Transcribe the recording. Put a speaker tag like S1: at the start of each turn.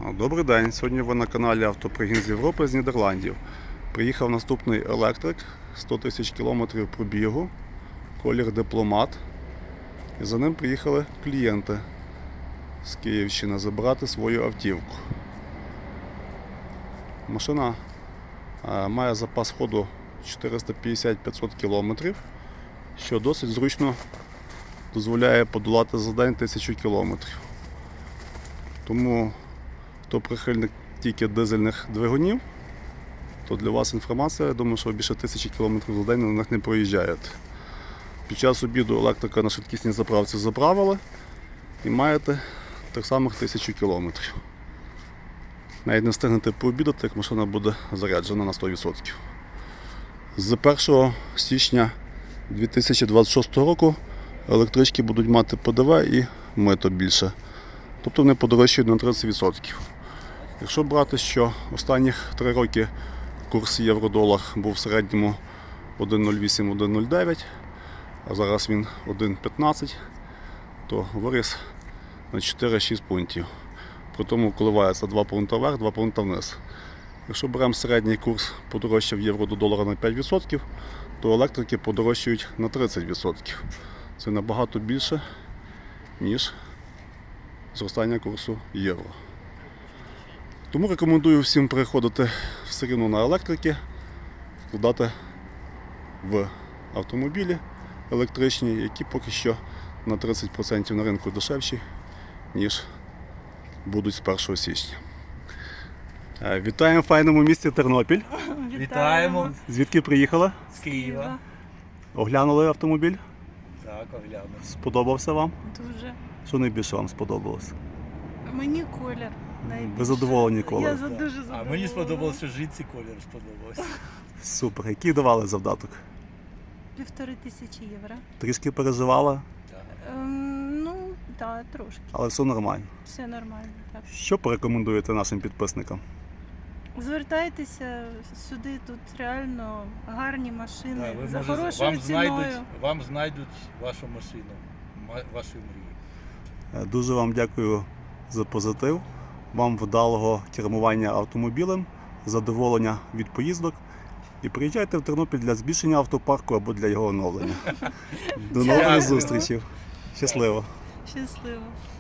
S1: Добрий день, сьогодні ви на каналі Автопригін з Європи з Нідерландів. Приїхав наступний електрик, 100 тисяч кілометрів пробігу, колір дипломат. І за ним приїхали клієнти з Київщини забирати свою автівку. Машина має запас ходу 450-500 кілометрів, що досить зручно дозволяє подолати за день 1000 кілометрів. Тому хто прихильник тільки дизельних двигунів, то для вас інформація, я думаю, що ви більше 1000 км за день на них не проїжджаєте. Під час обіду електрика на швидкісній заправці заправили і маєте тих самих 1000 км. Навіть не встигнете пообідати, як машина буде заряджена на 100%. З 1 січня 2026 року електрички будуть мати ПДВ і мито більше. Тобто вони подорожчають на 30%. Якщо брати, що останніх 3 роки курс євро-долар був в середньому 1,08-1,09, а зараз він 1,15, то виріс на 4-6 пунктів. При тому коливається 2 пункти вверх, 2 пункти вниз. Якщо беремо середній курс подорожчав євро до долара на 5%, то електрики подорожчають на 30%. Це набагато більше, ніж зростання курсу євро. Тому рекомендую всім переходити все рівно на електрики, вкладати в автомобілі електричні, які поки що на 30% на ринку дешевші, ніж будуть з 1 січня. Вітаємо в файному місті Тернопіль.
S2: Вітаємо
S1: Звідки приїхали?
S2: з Києва.
S1: Оглянули автомобіль?
S2: Так, оглянув.
S1: Сподобався вам?
S3: Дуже.
S1: Що найбільше вам сподобалося?
S3: Мені колір найбільше.
S1: Ви задоволені колором?
S3: Я дуже задоволена.
S2: А мені сподобався житці, колір сподобався.
S1: Супер. Який давали завдаток?
S3: 1500 євро.
S1: Трішки переживали,
S3: Ну, так, трошки.
S1: але все нормально.
S3: Все нормально. Так.
S1: Що порекомендуєте нашим підписникам?
S3: Звертайтеся сюди, тут реально гарні машини,
S2: Так, ви
S3: за
S2: можете-
S3: хорошою ціною.
S2: вам знайдуть вашу машину, вашої мрії.
S1: Дуже вам дякую за позитив, вам вдалого кермування автомобілем, задоволення від поїздок і приїжджайте в Тернопіль для збільшення автопарку або для його оновлення. До нових
S3: Дякую.
S1: зустрічей. Щасливо!
S3: Щасливо.